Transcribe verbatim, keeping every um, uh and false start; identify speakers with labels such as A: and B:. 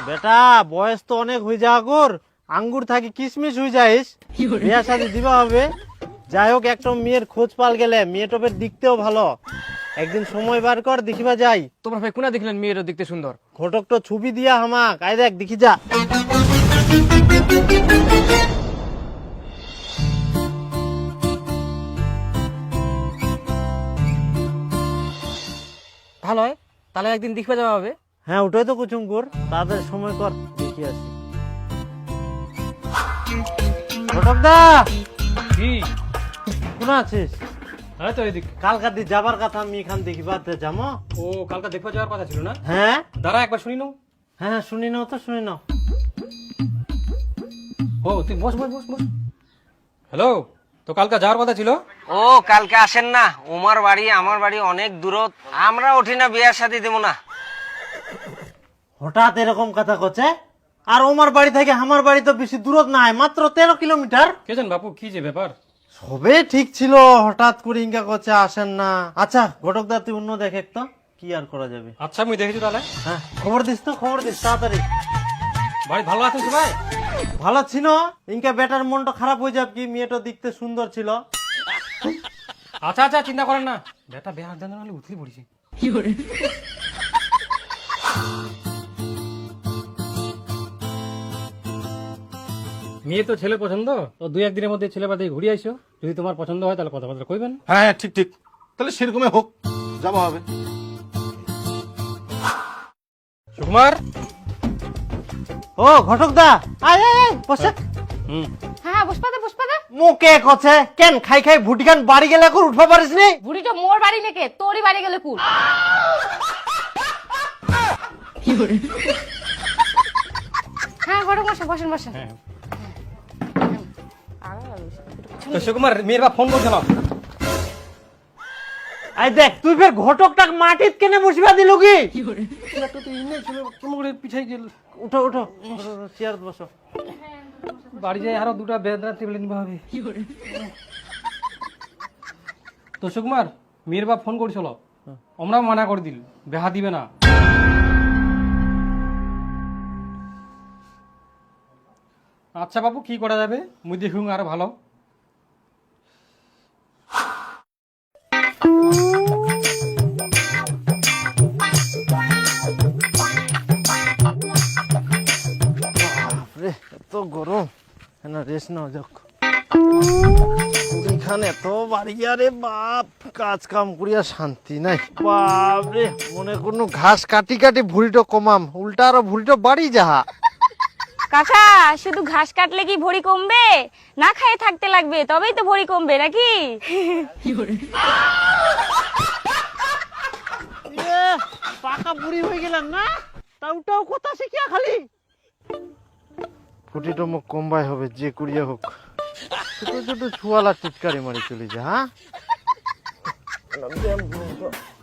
A: বেটা বয়স তো অনেক হয়ে যা আগর, আঙ্গুর থাকি কিশমিশ হয়ে যাইস, বিয়া শাদী দিবা হবে। যাই হোক একটা মেয়ের খোঁজ পাল গেলে, মেয়ে টপের দিকতেও ভালো, একদিন সময় বার কর দেখিবা যাই।
B: তোমার ভাই কোনা দেখলেন মেয়েরও দেখতে সুন্দর?
A: ঘটক তো ছবি দিয়া হামাক, আই দেখ দেখি যা।
B: ভালো হয়, তাহলে একদিন দেখবে যাওয়া হবে।
A: হ্যাঁ ওটাই তো কুচুম কর, তাদের সময় কর দেখি আসি। ঘটক দা
B: কি
A: কোন আছিস?
B: হ্যাঁ তো এদিক।
A: কালকা দি যাবার কথা, আমি এখান দেখিবা যামো।
B: ও কালকে দেখবা যাওয়ার কথা ছিল না?
A: হ্যাঁ
B: দাঁড়া একবার শুনি নাও।
A: হ্যাঁ শুনি নাও তো, শুনি নাও।
B: ও তুই বস বস বস বস। হ্যালো, তো কালকে যাওয়ার কথা ছিল?
C: ও কালকে আসেন না, ওমার বাড়ি আমার বাড়ি অনেক দূরত, আমরা উঠি না, বিয়ার সাথে দেবো না।
A: হঠাৎ এরকম কথা কচ্ছে? আর ওমার বাড়ি থেকে আমার বাড়ি তো বেশি দূরত নাই, মাত্র তেরো কিলোমিটার।
B: কে জান বাপু কি যে ব্যাপার?
A: সবে ঠিক ছিল, হঠাৎ করে ইনকা করছে আসেন না। আচ্ছা ঘটক দা তুই অন্য দেখে তো, কি আর করা যাবে।
B: আচ্ছা আমি দেখেছি তাহলে।
A: হ্যাঁ খবর দিস তো, খবর দিস তাড়াতাড়ি।
B: বাড়ি ভালো আছেন সবাই?
A: ভালো ছিল, ইনকা বেটার মনটা খারাপ হয়ে যাবে কি, মেয়েটা দেখতে সুন্দর ছিল।
B: আচ্ছা আচ্ছা চিন্তা করেন না, বেটা বেহার জানা হলে উঠলি পড়েছি। মেয়ে তো ছেলে পছন্দ, তো দুই একদিনের মধ্যে ছেলে বাদে ঘুরে আইসো, যদি তোমার পছন্দ হয় তাহলে কথাবার্তা কইবেন।
D: হ্যাঁ হ্যাঁ ঠিক ঠিক, তাহলে সেরকমই হোক, যাওয়া হবে।
B: সুকুমার।
A: ও ঘটক দা আয় আয় আয়, বসে।
B: হুম
E: হ্যাঁ বসপা দে বসপা দে।
A: মুখে কছে কেন খাই খাই ভুটি খান বাড়ি গেলে এখন উঠবা পারিস নি?
E: বুড়িটা মোর বাড়ি নেকে তোরই বাড়ি গেলে কুল। হ্যাঁ ঘরে বসে বসেন বসেন।
B: হ্যাঁ তো সুকুমার মেয়ের বাপ ফোন করছিল।
A: আই দেখ তুই ফের ঘটকটাক মাটিত কেনে বসিবা দিল কি?
B: একটা তো ইনে ছিল কেমন করে পিছাই গেল।
A: উঠো উঠো চেয়ার বসো।
B: বাড়ি যাই আরো দুটা বেদনা টেবিলে নিবা হবে। তো সুকুমার মেয়ের বাপ ফোন করছিল, আমরা মানা করে দিল, বেহা দিবে না। আচ্ছা বাবু কি করা যাবে, মুই দেখুন আরো ভালো।
A: বাপরে এত গরম, না রেস্ট নাও যাক। এখানে এত বাড়ি আরে বাপ, কাজ কাম করিয়া শান্তি নাই। বাপরে মনে কোনো ঘাস কাটি কাটি ভুড়িটো কমাম, উল্টা আরো ভুড়িটো বাড়ি যাহা।
F: কাকা শুধু ঘাস কাটলে কি ভরি কমবে? না খেয়ে থাকতে লাগবে, তবেই তো ভরি কমবে নাকি?
A: এ, পাকা বুড়ি হয়ে গেলাম না, তাওটাও কথা শিখিয়া খালি। ফুটিটো মুখ কমবাই হবে যে করিয়া হোক, ছোট ছোট ছুয়ালা টিটকারি মারি চলে যা। হ্যাঁ